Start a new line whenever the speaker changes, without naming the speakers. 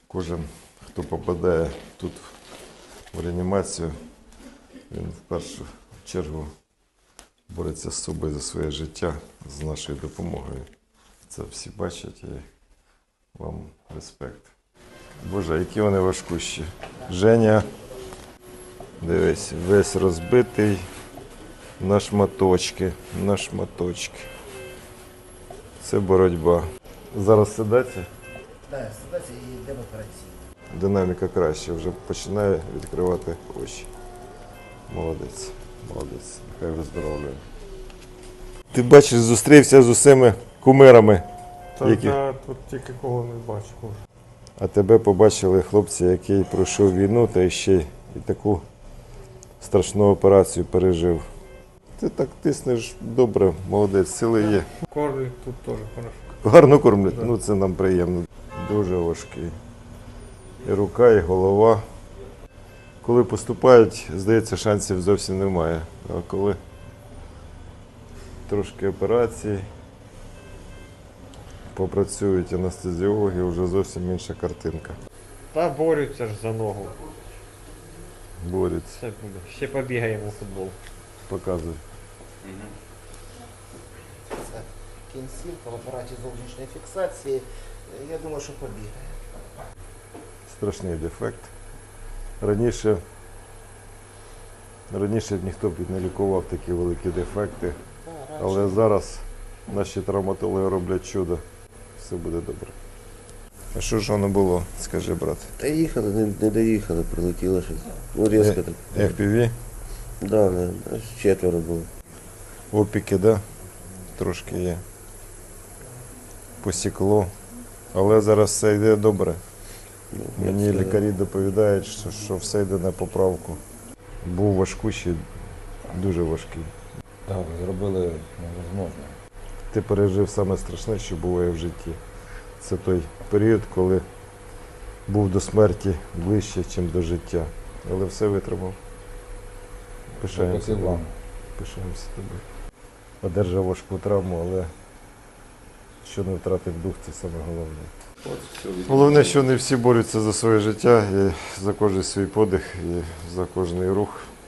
Кожен, хто попадає тут в реанімацію, він в першу чергу бореться з собою за своє життя, з нашою допомогою. Це всі бачать і вам респект. Боже, які вони важкущі. Женя, дивись, весь розбитий на шматочки, на шматочки. Це боротьба. Зараз сидаться?
Так, ситуація і йдемо операційно.
Динаміка краще, вже починає відкривати очі. Молодець, молодець, нехай виздоровлює. Ти бачиш, зустрівся з усіма кумирами.
Та
Які?
я тут тільки кого не бачив.
А тебе побачили хлопці, який пройшов війну та ще й таку страшну операцію пережив. Ти так тиснеш добре, молодець, сили є.
Кормлять тут теж хорошо.
Гарно кормлять,
Да.
ну це нам приємно. Дуже важкий. І рука, і голова. Коли поступають, здається, шансів зовсім немає. А коли трошки операцій, попрацюють анестезіологи, вже зовсім інша картинка.
Та борються ж за ногу.
Борються,
Все буде. Ще побігаємо у футбол.
показують.
Це кінцівка в апараті зовнішньої фіксації. Я думаю, що побігає.
Страшний дефект. Раніше ніхто б не лікував такі великі дефекти, але зараз наші травматологи роблять чудо. Все буде добре. А що ж воно було, скажи, брат?
Та їхали, не доїхали, прилетіло щось. Ну, різко так.
FPV?
Да, четверо було.
Опіки, да? Трошки є. Посікло. Але зараз все йде добре. Мені лікарі доповідають, що все йде на поправку. Був важкущий, дуже важкий.
Так, зробили невозможне.
Ти пережив саме страшне, що буває в житті. Це той період, коли був до смерті ближче, ніж до життя. Але все витримав. Пишаємося
Дякую вам.
тобою. Пишаємося тобою. Одержав важку травму, але що не втратив дух, це саме головне. Головне, що не всі борються за своє життя, і за кожен свій подих, і за кожний рух.